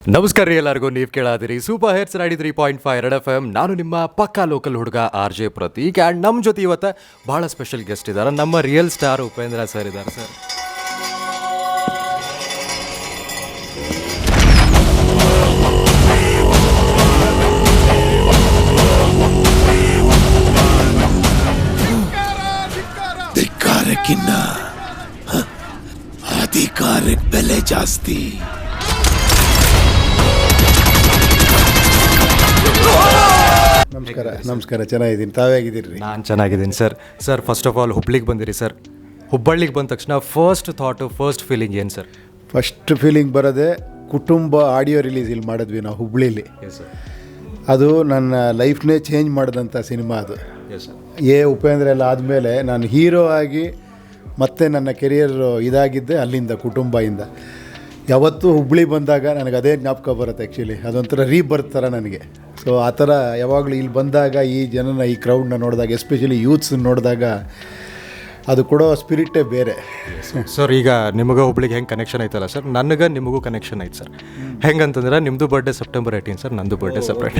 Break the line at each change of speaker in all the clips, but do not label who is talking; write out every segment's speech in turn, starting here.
ನಮಸ್ಕಾರ ರೀ ಎಲ್ಲರಿಗೂ. ನೀವು ಕೇಳಾದಿರಿ ಸೂಪರ್ ಹಿಟ್ಸ್ 93.5 ರೆಡ್ FM. ನಾನು ನಿಮ್ಮ ಪಕ್ಕಾ ಲೋಕಲ್ ಹುಡುಗ RJ ಪ್ರತೀಕ್. ಆ್ಯಂಡ್ ನಮ್ಮ ಜೊತೆ ಇವತ್ತು ಭಾಳ ಸ್ಪೆಷಲ್ ಗೆಸ್ಟ್ ಇದ್ದಾರೆ. ನಮ್ಮ ರಿಯಲ್ ಸ್ಟಾರ್ ಉಪೇಂದ್ರ ಸರ್ ಇದ್ದಾರೆ. ಸರ್
ಧಿಕ್ಕಾರಕ್ಕಿನ್ನ ಅಧಿಕಾರಕ್ಕೆ ಬೆಲೆ ಜಾಸ್ತಿ.
ನಮಸ್ಕಾರ ಚೆನ್ನಾಗಿದ್ದೀನಿ. ತಾವೇ ಆಗಿದ್ದೀರಿ?
ನಾನು ಚೆನ್ನಾಗಿದ್ದೀನಿ sir. Sir first of all ಹುಬ್ಳಿಗೆ ಬಂದಿರಿ ಸರ್. ಹುಬ್ಬಳ್ಳಿಗೆ ಬಂದ ತಕ್ಷಣ ಫಸ್ಟ್ ಫೀಲಿಂಗ್ ಏನು ಸರ್?
ಫಸ್ಟ್ ಫೀಲಿಂಗ್ ಬರೋದೇ ಕುಟುಂಬ ಆಡಿಯೋ ರಿಲೀಸ್ ಇಲ್ಲಿ ಮಾಡಿದ್ವಿ ನಾವು ಹುಬ್ಳಿಲಿ. ಅದು ನನ್ನ ಲೈಫ್ನೇ ಚೇಂಜ್ ಮಾಡಿದಂಥ ಸಿನಿಮಾ ಅದು. ಉಪೇಂದ್ರ ಎಲ್ಲ ಆದಮೇಲೆ ನಾನು ಹೀರೋ ಆಗಿ ಮತ್ತೆ ನನ್ನ ಕೆರಿಯರ್ ಇದಾಗಿದ್ದೆ ಅಲ್ಲಿಂದ, ಕುಟುಂಬದಿಂದ. ಯಾವತ್ತೂ ಹುಬ್ಳಿ ಬಂದಾಗ ನನಗೆ ಅದೇ ಜ್ಞಾಪಕ ಬರುತ್ತೆ. ಆ್ಯಕ್ಚುಲಿ ಅದೊಂಥರ ರೀಬರ್ತ್ ಥರ ನನಗೆ. ಸೊ ಆ ಥರ ಯಾವಾಗಲೂ ಇಲ್ಲಿ ಬಂದಾಗ ಈ ಜನನ, ಈ ಕ್ರೌಡ್ನ ನೋಡಿದಾಗ, ಎಸ್ಪೆಷಲಿ ಯೂತ್ಸ್ ನೋಡಿದಾಗ ಅದು ಕೊಡೋ ಸ್ಪಿರಿಟೇ ಬೇರೆ.
ಸರ್ ಈಗ ನಿಮಗೆ ಹುಬ್ಳಿಗೆ ಹೆಂಗೆ ಕನೆಕ್ಷನ್ ಐತಲ್ಲ ಸರ್, ನನಗೆ ನಿಮಗೂ ಕನೆಕ್ಷನ್ ಐತೆ ಸರ್. ಹೆಂಗಂತಂದ್ರೆ ನಿಮ್ಮದು ಬರ್ಡೇ ಸೆಪ್ಟೆಂಬರ್ 18 ಸರ್, ನಂದು ಬರ್ಡೇ ಸಪ್ರೇಟ್.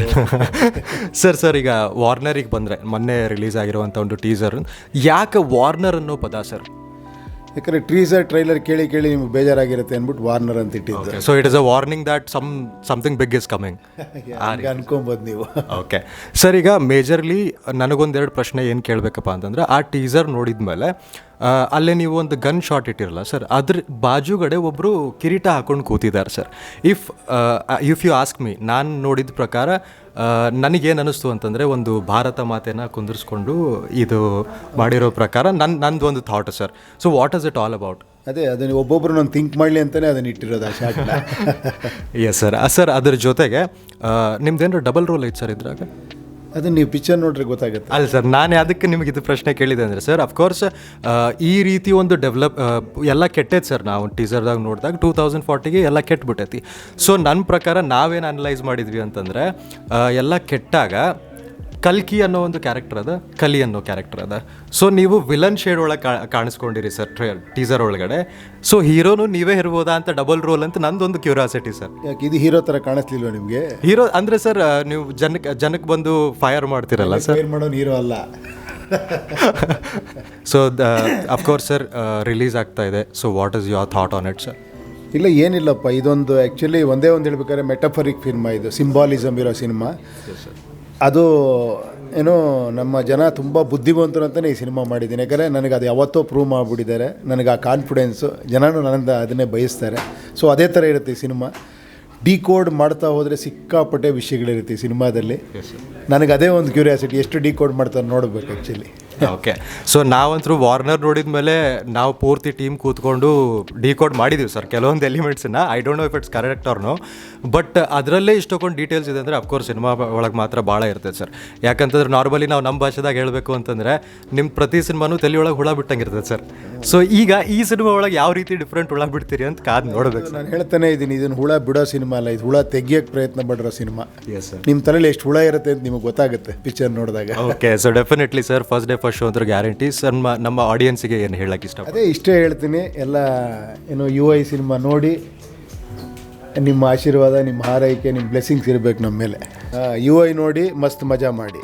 ಸರ್ ಈಗ ವಾರ್ನರಿಗೆ ಬಂದರೆ, ಮೊನ್ನೆ ರಿಲೀಸ್ ಆಗಿರುವಂಥ ಒಂದು ಟೀಸರ್, ಯಾಕೆ ವಾರ್ನರ್ ಅನ್ನೋ ಪದ ಸರ್?
ಯಾಕಂದರೆ ಟೀಸರ್ ಟ್ರೈಲರ್ ಕೇಳಿ ನಿಮ್ಗೆ ಬೇಜಾರಾಗಿರುತ್ತೆ ಅಂದ್ಬಿಟ್ಟು ವಾರ್ನರ್ ಅಂತ ಇಟ್ಟಿದ್ದು.
So it is a warning that something big is coming
ಅನ್ಕೊಬೋದು ನೀವು.
ಓಕೆ ಸರ್, ಈಗ ಮೇಜರ್ಲಿ ನನಗೊಂದೆರಡು ಪ್ರಶ್ನೆ ಏನು ಕೇಳಬೇಕಪ್ಪ ಅಂತಂದ್ರೆ, ಆ ಟೀಸರ್ ನೋಡಿದ ಮೇಲೆ ಅಲ್ಲೇ ನೀವು ಒಂದು ಗನ್ ಶಾಟ್ ಇಟ್ಟಿರಲ್ಲ ಸರ್, ಅದ್ರ ಬಾಜುಗಡೆ ಒಬ್ಬರು ಕಿರೀಟ ಹಾಕೊಂಡು ಕೂತಿದ್ದಾರೆ sir. If you ask me, ನಾನು ನೋಡಿದ ಪ್ರಕಾರ ನನಗೇನು ಅನ್ನಿಸ್ತು ಅಂತಂದರೆ, ಒಂದು ಭಾರತ ಮಾತೆನ ಕುಂದಿರಿಸ್ಕೊಂಡು ಇದು ಮಾಡಿರೋ ಪ್ರಕಾರ ನಂದು ಒಂದು thought sir. So what is it all about?
ಅದೇ ಅದನ್ನು ಒಬ್ಬೊಬ್ಬರು ನಾನು ಥಿಂಕ್ ಮಾಡಲಿ ಅಂತಲೇ ಅದನ್ನು ಇಟ್ಟಿರೋದು ಆ ಶಾಟ್ನ.
Yes sir. ಸರ್ ಅದ್ರ ಜೊತೆಗೆ ನಿಮ್ದೇನಾದ್ರು ಡಬಲ್ ರೋಲ್ ಐತೆ ಸರ್ ಇದ್ರಾಗ?
ಅದನ್ನು ನೀವು ಪಿಕ್ಚರ್ ನೋಡ್ರೆ ಗೊತ್ತಾಗುತ್ತೆ.
ಅಲ್ಲ ಸರ್, ನಾನು ಅದಕ್ಕೆ ನಿಮಗೆ ಇದು ಪ್ರಶ್ನೆ ಕೇಳಿದೆ ಅಂದರೆ ಸರ್, ಅಫ್ಕೋರ್ಸ್ ಈ ರೀತಿ ಒಂದು ಎಲ್ಲ ಕೆಟ್ಟೈತೆ ಸರ್. ನಾವು ಟೀಸರ್ದಾಗ ನೋಡಿದಾಗ 2040ಗೆ ಎಲ್ಲ ಕೆಟ್ಟಬಿಟ್ಟೈತಿ. ಸೊ ನನ್ನ ಪ್ರಕಾರ ನಾವೇನು ಅನಲೈಸ್ ಮಾಡಿದ್ವಿ ಅಂತಂದರೆ, ಎಲ್ಲ ಕೆಟ್ಟಾಗ ಕಲ್ಕಿ ಅನ್ನೋ ಒಂದು ಕ್ಯಾರೆಕ್ಟರ್ ಅದ, ಕಲಿ ಅನ್ನೋ ಕ್ಯಾರೆಕ್ಟರ್ ಅದ. ಸೊ ನೀವು ವಿಲನ್ ಶೇಡ್ ಒಳಗೆ ಕಾಣಿಸ್ಕೊಂಡಿರಿ ಸರ್ ಟೀಸರ್ ಒಳಗಡೆ. ಸೊ ಹೀರೋನು ನೀವೇ ಇರ್ಬೋದಾ ಅಂತ ಡಬಲ್ ರೋಲ್ ಅಂತ ನಂದೊಂದು ಕ್ಯೂರಿಯಾಸಿಟಿ ಸರ್.
ಯಾಕೆ ಇದು ಹೀರೋ ಥರ ಕಾಣಿಸ್ಲಿಲ್ವ ನಿಮಗೆ?
ಹೀರೋ ಅಂದರೆ ಸರ್, ನೀವು ಜನಕ್ಕೆ ಬಂದು ಫೈರ್ ಮಾಡ್ತಿರಲ್ಲ ಸರ್.
ಫೈರ್ ಮಾಡೋನು ಹೀರೋ ಅಲ್ಲ.
ಸೊ ಅಫ್ಕೋರ್ಸ್ ಸರ್ ರಿಲೀಸ್ ಆಗ್ತಾ ಇದೆ. So what is your thought on it sir?
ಇಲ್ಲ ಏನಿಲ್ಲಪ್ಪ, ಇದೊಂದು ಆ್ಯಕ್ಚುಲಿ ಒಂದೇ ಒಂದು ಹೇಳ್ಬೇಕಾದ್ರೆ ಮೆಟಫರಿಕ್ ಸಿನಿಮಾ, ಇದು ಸಿಂಬಾಲಿಸಮ್ ಇರೋ ಸಿನಿಮಾ. ಅದು ಏನೋ ನಮ್ಮ ಜನ ತುಂಬ ಬುದ್ಧಿವಂತರು ಅಂತಲೇ ಈ ಸಿನಿಮಾ ಮಾಡಿದ್ದೀನಿ. ಯಾಕಂದರೆ ನನಗೆ ಅದು ಯಾವತ್ತೋ ಪ್ರೂವ್ ಮಾಡಿಬಿಟ್ಟಿದ್ದಾರೆ. ನನಗೆ ಆ ಕಾನ್ಫಿಡೆನ್ಸು, ಜನನೂ ನನ್ನಿಂದ ಅದನ್ನೇ ಬಯಸ್ತಾರೆ. ಸೊ ಅದೇ ಥರ ಇರುತ್ತೆ ಈ ಸಿನಿಮಾ. ಡಿಕೋಡ್ ಮಾಡ್ತಾ ಹೋದರೆ ಸಿಕ್ಕಾಪಟ್ಟೆ ವಿಷಯಗಳಿರುತ್ತೆ ಈ ಸಿನಿಮಾದಲ್ಲಿ. ನನಗೆ ಅದೇ ಒಂದು ಕ್ಯೂರಿಯಾಸಿಟಿ, ಎಷ್ಟು ಡಿಕೋಡ್ ಮಾಡ್ತಾರೆ ನೋಡಬೇಕು ಆ್ಯಕ್ಚುಲಿ.
ಓಕೆ. ಸೊ ನಾವಂತರೂ ವಾರ್ನರ್ ನೋಡಿದ ಮೇಲೆ ನಾವು ಪೂರ್ತಿ ಟೀಮ್ ಕೂತ್ಕೊಂಡು ಡಿಕೋಡ್ ಮಾಡಿದ್ದೀವಿ ಸರ್ ಕೆಲವೊಂದು ಎಲಿಮೆಂಟ್ಸನ್ನ. I don't know if it's correct or no, but ಅದರಲ್ಲೇ ಇಷ್ಟೊಂದು ಡೀಟೇಲ್ಸ್ ಇದೆ ಅಂದರೆ ಅಫ್ಕೋರ್ಸ್ ಸಿನಿಮಾ ಒಳಗೆ ಮಾತ್ರ ಭಾಳ ಇರ್ತದೆ ಸರ್. ಯಾಕಂತಂದ್ರೆ ನಾರ್ಮಲಿ ನಾವು ನಮ್ಮ ಭಾಷೆದಾಗ ಹೇಳಬೇಕು ಅಂತಂದರೆ, ನಿಮ್ಮ ಪ್ರತಿ ಸಿನಿಮಾನು ತಲೆಯೊಳಗೆ ಹುಳ ಬಿಟ್ಟಂಗೆ ಇರ್ತದೆ ಸರ್. ಸೊ ಈಗ ಈ ಸಿನಿಮಾ ಒಳಗೆ ಯಾವ ರೀತಿ ಡಿಫ್ರೆಂಟ್ ಹುಳ ಬಿಡ್ತೀರಿ ಅಂತ ಕಾದು ನೋಡಬೇಕು.
ನಾನು ಹೇಳ್ತಾನೆ ಇದ್ದೀನಿ, ಇದನ್ನು ಹುಳ ಬಿಡೋ ಸಿನಿಮಾ ಅಲ್ಲ, ಇದು ಹುಳ ತೆಗಿಯೋಕ್ಕೆ ಪ್ರಯತ್ನ ಪಡಿರೋ ಸಿನಿಮಾ. ನಿಮ್ಮ ತಲೆಯಲ್ಲಿ ಎಷ್ಟು ಹುಳ ಇರುತ್ತೆ ಅಂತ ನಿಮಗೆ ಗೊತ್ತಾಗುತ್ತೆ ಪಿಕ್ಚರ್ ನೋಡಿದಾಗ.
Okay. So definitely sir, first day first show ಅಂದ್ರೆ ಗ್ಯಾರಂಟಿ ಸರ್. ನಮ್ಮ ಆಡಿಯನ್ಸಿಗೆ ಏನು ಹೇಳಕ್ಕೆ ಇಷ್ಟ?
ಅದೇ ಇಷ್ಟೇ ಹೇಳ್ತೀನಿ, ಎಲ್ಲ ಏನು UI ಸಿನಿಮಾ ನೋಡಿ ನಿಮ್ಮ ಆಶೀರ್ವಾದ, ನಿಮ್ಮ ಹಾರೈಕೆ, ನಿಮ್ಮ ಬ್ಲೆಸ್ಸಿಂಗ್ಸ್ ಇರಬೇಕು ನಮ್ಮ ಮೇಲೆ. UI ನೋಡಿ ಮಸ್ತ್ ಮಜಾ ಮಾಡಿ.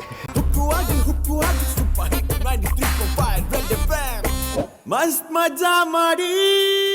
ಮಸ್ತ್ ಮಜಾ ಮಾಡಿ.